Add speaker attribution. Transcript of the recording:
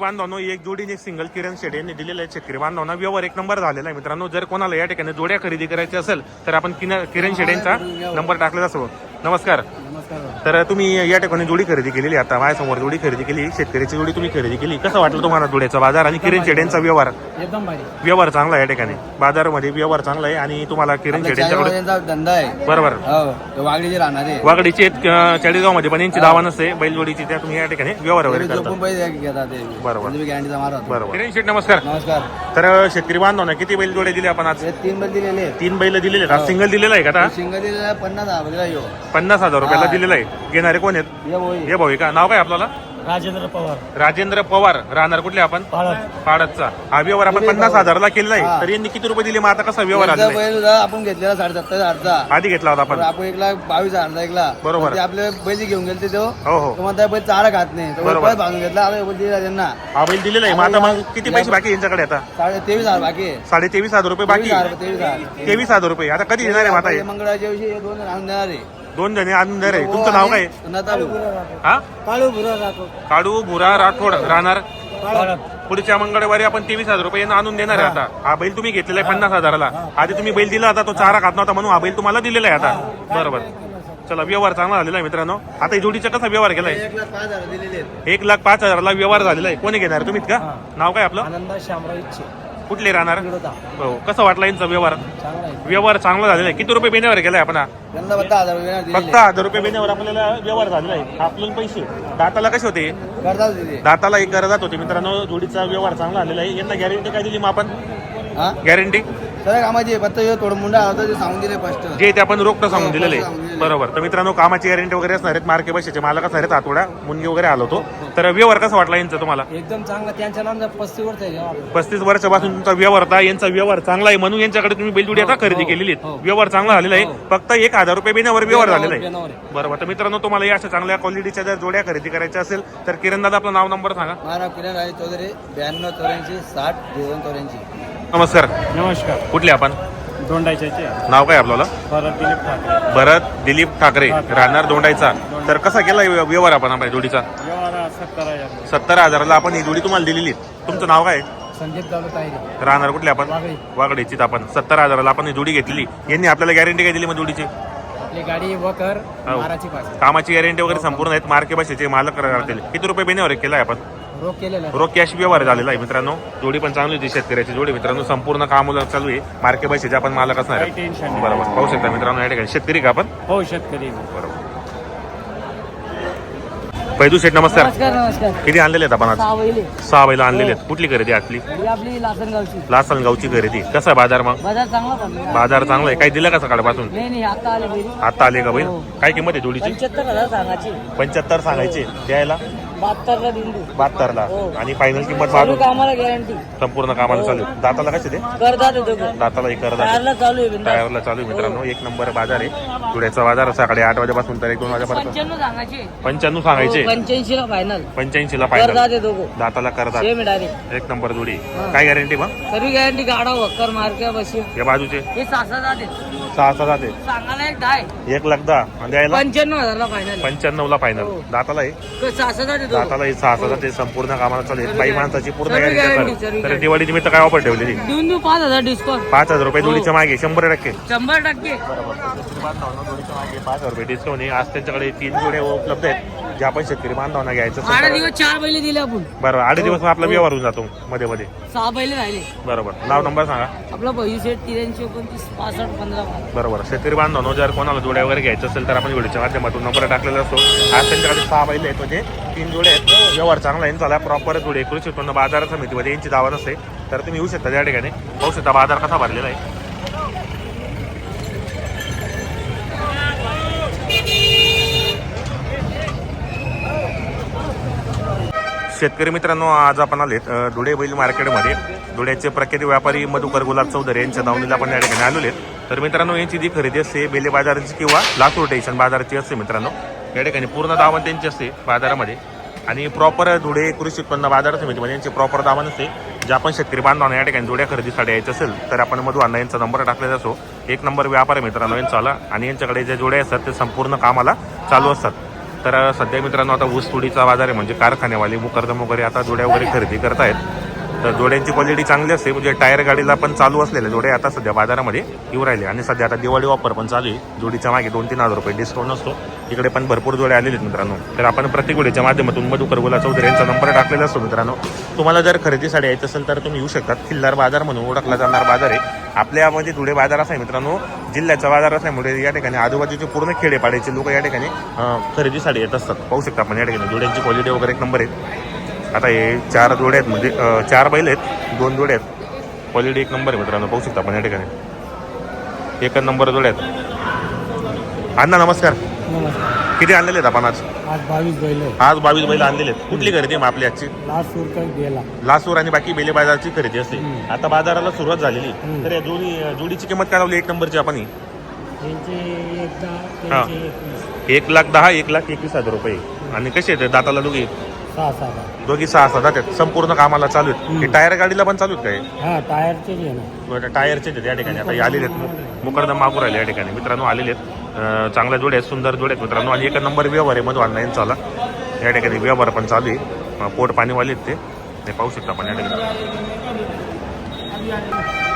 Speaker 1: बांधवांनो एक जोडीने एक सिंगल किरण शेड यांनी दिलेलं आहे. शेतकरी बांधवांना व्यवहार एक नंबर झालेला आहे मित्रांनो. जर कोणाला या ठिकाणी जोड्या खरेदी करायची असेल तर आपण किरण शेड यांचा नंबर टाकलेला असतो. नमस्कार. तर तुम्ही या ठिकाणी जोडी खरेदी केलेली, आता माझ्यासमोर जोडी खरेदी केली, शेतकऱ्याची जोडी तुम्ही खरेदी केली. कसं वाटलं तुम्हाला जोड्याचा बाजार आणि किरण शेड यांचा व्यवहार?
Speaker 2: एकदम भारी
Speaker 1: व्यवहार चांगला आहे या ठिकाणी, बाजारामध्ये व्यवहार चांगला आहे. आणि तुम्हाला किरण शेड यांच्याकडे
Speaker 2: धंदा आहे
Speaker 1: बरोबर
Speaker 2: वागडीचे राहणार आहे.
Speaker 1: वागडीचे चाळीसगाव मध्ये पण यांची दावा नसते बैलजोडीची, त्या तुम्ही या ठिकाणी व्यवहार वगैरे करता. बरोबर बरोबर. किरण शेड नमस्कार.
Speaker 2: नमस्कार.
Speaker 1: तर शेतकरी बांधवांना किती बैल जोडे दिले आपण आज?
Speaker 2: 3 बैल दिलेले.
Speaker 1: 3 बैल दिलेले. आज सिंगल दिलेला आहे का? आता
Speaker 2: सिंगल दिलेला 50,000
Speaker 1: 50,000 रुपयाला दिलेला आहे. घेणारे कोण आहेत? हे भाऊ आहे का? नाव काय आपल्याला?
Speaker 2: राजेंद्र पवार.
Speaker 1: राजेंद्र पवार. राहणार कुठले आपण? पाडतचा. हा व्यवहार आपण 50,000ला केलेला आहे. तर यांनी किती रुपये दिले? मग आता कसा व्यवहार आला?
Speaker 2: आपण घेतलेला 70,000चा
Speaker 1: आधी घेतला होता आपण.
Speaker 2: आपण 1,22,000 ऐकला.
Speaker 1: बरोबर.
Speaker 2: आपले बैल घेऊन गेले ते
Speaker 1: हो हो
Speaker 2: म्हणता बैल चारा खात नाही.
Speaker 1: बरोबर.
Speaker 2: बांधून घेतला दिला त्यांना.
Speaker 1: हा बैल दिलेला आहे. मग आता मग किती पैसे बाकी यांच्याकडे? आता
Speaker 2: 23,000 बाकी आहे.
Speaker 1: 23,500 रुपये बाकी.
Speaker 2: 23,000
Speaker 1: रुपये. आता कधी देणार आहे? आता
Speaker 2: मंगळवारच्या दिवशी 2 जण आणून देणार आहे.
Speaker 1: 2 जणी आणून देणार आहे. तुमचं नाव काय? हा काळू भुरा राठोड. राहणार पुढच्या मंगळवारी आपण 23,000 रुपये आणून देणार आहे. आता हा बैल तुम्ही घेतलेला आहे 50,000ला. आधी तुम्ही बैल दिला होता, तो चारा खात नव्हता म्हणून हा बैल तुम्हाला दिलेला आहे आता. बरोबर. चला व्यवहार चांगला झालेला आहे मित्रांनो. आता जोडीचा कसा व्यवहार केलाय?
Speaker 2: 1,05,000 दिलेले.
Speaker 1: 1,05,000ला व्यवहार झालेला आहे. कोणी घेणार? तुम्हीच का? नाव काय आपलं?
Speaker 2: आनंद शामराव इच्छे.
Speaker 1: कुठले राहणार? हो. कसं वाटला यांचा व्यवहार? व्यवहार चांगला झालेला आहे. किती रुपये बेण्यावर केलाय आपण?
Speaker 2: फक्त
Speaker 1: 1,000 रुपये बेण्यावर आपल्याला व्यवहार झालेला आहे. आपल्याला पैसे दाताला कसे होते? दाताला एक करदात होते मित्रांनो. जोडीचा व्यवहार चांगला झालेला आहे. यांना गॅरंटी काय दिली मग आपण? गॅरंटी
Speaker 2: सर कामाची फक्त थोडं मुंडा होतं ते सांगून दिले फर्स्ट.
Speaker 1: जे ते आपण रोखतं सांगून दिलेलं आहे. बरोबर. तर मित्रांनो कामाची गॅरंटी वगैरे असणार आहेत. मार्के बसायचे मालक असणार आहेत. आतोडा मुनगी वगैरे आलो होतो. तर व्यवहार कसा वाटला यांचा तुम्हाला?
Speaker 2: एकदम चांगला. त्यांच्या नाम 35 वर्ष आहे.
Speaker 1: 35 वर्षापासून तुमचा व्यवहार होता. यांचा व्यवहार चांगला आहे म्हणून यांच्याकडे तुम्ही बैलजोडी आता खरेदी केलेली आहे. व्यवहार चांगला झालेला आहे. फक्त 1,000 रुपये बेण्यावर व्यवहार झालेला आहे. बरोबर. तर मित्रांनो तुम्हाला या अशा चांगल्या क्वालिटीच्या जर जोड्या खरेदी करायच्या असेल तर किरण दादा आपलं नाव नंबर सांगा.
Speaker 2: माझं नाव किरण राजे चौधरी. 92 84 60 82.
Speaker 1: नमस्कार.
Speaker 2: नमस्कार.
Speaker 1: कुठले आपण?
Speaker 2: दोंडायचे.
Speaker 1: नाव काय आपल्याला? भरत दिलीप ठाकरे. राहणार दोंडायचा. तर कसा केला व्यवहार आपण आपल्या जोडीचा? 70,000ला आपण ही जोडी तुम्हाला दिलेली. तुमचं नाव काय?
Speaker 2: संदीप दादा तायरे.
Speaker 1: राहणार कुठले आपण? वागडीची. आपण 70,000ला आपण ही जोडी घेतलेली. यांनी आपल्याला गॅरंटी काय दिली मग जोडीची?
Speaker 2: आपली गाडी वकर माराची पास.
Speaker 1: कामाची गॅरंटी वगैरे संपूर्ण आहेत. मार्के बसायचे मालक करतील. किती रुपये बेण्यावर केलाय आपण?
Speaker 2: रोख केलेला.
Speaker 1: रोख कॅश व्यवहार झालेला आहे मित्रांनो. जोडी पण चांगली होती शेतकऱ्याची जोडी मित्रांनो. संपूर्ण काम चालू आहे. मार्के बसायचे आपण मालक असणार आहे. बरोबर. पाहू शकता मित्रांनो या ठिकाणी शेतकरी का आपण?
Speaker 2: हो शेतकरी.
Speaker 1: बरोबर. पैदू शेठ नमस्कार.
Speaker 2: नमस्कार.
Speaker 1: किती आणलेले आहेत आपण आज? 6 बैल आणलेले आहेत. कुठली खरेदी आपली?
Speaker 2: आपली लासनगावची.
Speaker 1: लासनगावची खरेदी. कसा आहे बाजार मग?
Speaker 2: बाजार चांगला.
Speaker 1: बाजार चांगला आहे. काही दिलं का सकाळपासून?
Speaker 2: नाही आता आले बैल.
Speaker 1: आता आले का बैल? काय किंमत आहे जोडीची?
Speaker 2: 75,000 सांगायची.
Speaker 1: 75 सांगायचे. द्यायला
Speaker 2: 72ला दिली.
Speaker 1: 72ला. आणि फायनल किंमत
Speaker 2: चालू कामाला गॅरंटी.
Speaker 1: संपूर्ण कामाला चालू. दाताला कसे ते?
Speaker 2: करदात येतो.
Speaker 1: दाताला एक करदात.
Speaker 2: टायरला चालू आहे.
Speaker 1: टायरला चालू आहे मित्रांनो. एक नंबर बाजार आहे. धुळ्याचा बाजार सकाळी 8 वाजेपासून तर 1-2 वाजेपर्यंत.
Speaker 2: 95 सांगायचे.
Speaker 1: 95 सांगायचे.
Speaker 2: 85ला फायनल.
Speaker 1: 85ला फायनल.
Speaker 2: करदात येतो.
Speaker 1: दाताला करदात.
Speaker 2: Same direct.
Speaker 1: एक नंबर जोडी. काय गॅरंटी मग?
Speaker 2: सर्व गॅरंटी. गाडा वक्कर मार्के बशी.
Speaker 1: या बाजूचे
Speaker 2: हे 6,000 आहे.
Speaker 1: 6 जाते.
Speaker 2: सांगायला एक 10.
Speaker 1: 1,10,000 आणि द्यायला
Speaker 2: 95,000ला फायनल.
Speaker 1: 95ला फायनल. दाताला आहे.
Speaker 2: 6,000 येतो.
Speaker 1: दाताला 6,000 ते संपूर्ण कामाला चालू आहे. बाई माणसाची पूर्ण
Speaker 2: सर्व
Speaker 1: गॅरंटी.
Speaker 2: सर्व
Speaker 1: तर दिवाळी निमित्त काय ऑफर ठेवलेली?
Speaker 2: देऊन 5,000 डिस्काउंट.
Speaker 1: 5,000 रुपये जोडीच्या मागे 100%.
Speaker 2: 100%.
Speaker 1: जोडीच्या मागे 5,000 रुपये डिस्काउंट आहे. आज त्यांच्याकडे 3 जोड्या उपलब्ध आहेत जे आपण शेतकरी बांधवांना घ्यायचं.
Speaker 2: 8 दिवस 4 बैल दिले आपण.
Speaker 1: बरोबर. 8 दिवस आपला व्यवहार होऊन जातो मध्ये मध्ये.
Speaker 2: 6 बैल राहिले.
Speaker 1: बरोबर. नाव नंबर सांगा.
Speaker 2: आपला पैसे सेट 83 29 65 15.
Speaker 1: बरोबर. शेतकरी बांधवांनो जर कोणाला जोड्या वगैरे घ्यायचं असेल तर आपण व्हिडिओच्या माध्यमातून नंबर टाकलेला असतो. आज त्यांच्याकडे 6 बैल आहेत म्हणजे 3 जोडे आहेत. व्यवहार चांगला आहे. चालला प्रॉपर जोडे. कृषी उत्पन्न बाजार समितीमध्ये यांची दावा नसते. तर तुम्ही येऊ शकता त्या ठिकाणी. पाहू शकता बाजार कसा भरलेला आहे. शेतकरी मित्रांनो आज आपण आलेत धुळे बैल मार्केटमध्ये. धुळ्याचे प्रख्यात व्यापारी मधुकर गुलाब चौधरी यांच्या दावणीला आपण या ठिकाणी आलेले आहेत. तर मित्रांनो यांची जी खरेदी असते बेले बाजाराची किंवा लातूर स्टेशन बाजाराची असते मित्रांनो. या ठिकाणी पूर्ण दावण त्यांची असते बाजारामध्ये. आणि प्रॉपर धुळे कृषी उत्पन्न बाजार समितीमध्ये यांचे प्रॉपर दावा नसते. जे आपण शेतकरी बांधवांना या ठिकाणी जोड्या खरेदीसाठी यायचं असेल तर आपण मधु अण्णा यांचा नंबर टाकलेला असो. एक नंबर व्यापार आहे मित्रांनो यांचा आला. आणि यांच्याकडे ज्या जोड्या असतात ते संपूर्ण कामाला चालू असतात. तर सध्या मित्रांनो आता ऊस तोडीचा बाजार आहे, म्हणजे कारखान्यावाले मुकरदम वगैरे आता जोड्या वगैरे खरेदी करतायत. तर जोड्यांची क्वालिटी चांगली असते, म्हणजे टायर गाडीला पण चालू असलेले जोडे आता सध्या बाजारामध्ये येऊ राहिले. आणि सध्या आता दिवाळी ऑफर पण चालू आहे, जोडीच्या मागे 2-3 हजार रुपये डिस्काउंट असतो. इकडे पण भरपूर जोडे आलेले आहेत मित्रांनो. तर आपण प्रत्येक जोडीच्या माध्यमातून मधुकर गुला चौधरी यांचा नंबर टाकलेला असतो मित्रांनो. तुम्हाला जर खरेदीसाठी यायचं असेल तर तुम्ही येऊ शकतात. खिल्लार बाजार म्हणून ओळखला जाणार बाजार आहे. आपल्यामध्ये धुळे बाजार असा आहे मित्रांनो, जिल्ह्याचा बाजार असल्यामुळे या ठिकाणी आजूबाजूचे पूर्ण खेडेपाड्याचे लोक या ठिकाणी खरेदीसाठी येत असतात. पाहू शकता आपण या ठिकाणी जोड्यांची क्वालिटी वगैरे एक नंबर आहे. आता हे 4 जोडे आहेत, म्हणजे 4 बैल आहेत, 2 जोडे आहेत. क्वालिटी एक नंबर आहे मित्रांनो, पाहू शकता आपण या ठिकाणी एक नंबर जोडे आहेत. अण्णा नमस्कार. किती आणलेले आहेत आपण आज?
Speaker 3: आज 22 बैल आहे.
Speaker 1: आज 22 बैल आणलेले आहेत. कुठली खरेदी आहे मग आपली आजची?
Speaker 3: लास्ट सूर काही गेला.
Speaker 1: लासूर आणि बाकी बेले बाजारची खरेदी असते. आता बाजाराला सुरुवात झालेली. तर या जोडीची किंमत काय लावली एक नंबरची आपण?
Speaker 3: त्यांचे एकदा
Speaker 1: हा.
Speaker 3: त्यांचे
Speaker 1: 1,10,000 1,21,000 रुपये. आणि कसे आहेत दाताला दोघी?
Speaker 3: 6-7.
Speaker 1: दोघी 6-6 जातात. संपूर्ण कामाला चालू आहेत. हे टायर गाडीला पण चालू आहेत काय?
Speaker 3: हा टायरचे जे ना
Speaker 1: टायरचे आहेत या ठिकाणी. आता हे आलेले आहेत, मुकरदम मागून राहिले या ठिकाणी मित्रांनो, आलेले आहेत. चांगल्या जोडे आहेत, सुंदर जोडे आहेत मित्रांनो. आणि एक नंबर व्यवहार आहे मधू अण्णा यांचा आला. या ठिकाणी व्यवहार पण चालू आहे. पोट पाणीवाले आहेत ते पाहू शकता आपण या ठिकाणी.